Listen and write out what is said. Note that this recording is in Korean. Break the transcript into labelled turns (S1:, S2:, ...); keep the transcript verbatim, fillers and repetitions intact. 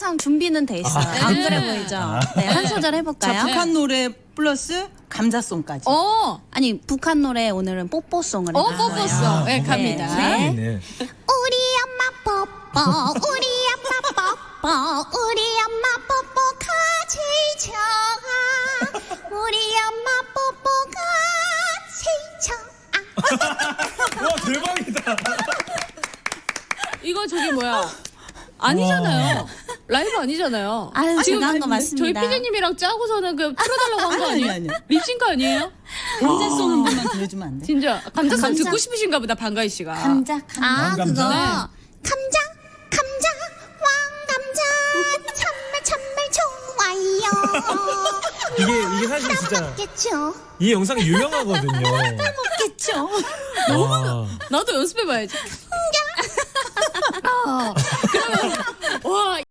S1: 항상 준비는 돼 있어요.
S2: 아,
S1: 안
S2: 네.
S1: 그래 보이죠? 네, 한 소절
S3: 자,
S1: 해볼까요?
S3: 북한 노래 플러스 감자송까지.
S2: 어,
S1: 아니 북한 노래 오늘은 뽀뽀송을
S2: 어,
S1: 해봤어요.
S2: 뽀뽀송. 네,
S1: 네.
S2: 갑니다.
S1: 네.
S4: 네.
S1: 우리 엄마 뽀뽀, 우리 엄마 뽀뽀, 우리 엄마 뽀뽀 같이 쳐. 우리 엄마 뽀뽀 같이 쳐.
S4: 와 대박이다.
S2: 이거 저기 뭐야? 아니잖아요. 라이브 아니잖아요.
S1: 아유,
S2: 지금
S1: 제가 한 거
S2: 저희
S1: 맞습니다.
S2: 피디님이랑 짜고서는 그 풀어달라고 한 거
S3: 아니, 아니,
S2: 아니에요?
S3: 아니.
S2: 립싱크 아니에요?
S3: 감자송 한 번만 들려주면 안 돼?
S2: 진짜 감자송
S1: 감자.
S2: 듣고 싶으신가 보다 방가희 씨가.
S1: 감자, 감자. 아,
S4: 왕감자?
S1: 그거.
S2: 네.
S1: 감자, 감자, 왕감자, 참말, 참말 좋아요.
S4: 이게 이게 사실 진짜
S1: 먹겠죠?
S4: 이 영상이 유명하거든요.
S1: 먹겠죠?
S4: 와.
S2: 나도 연습해봐야지. 어, 그러면 와.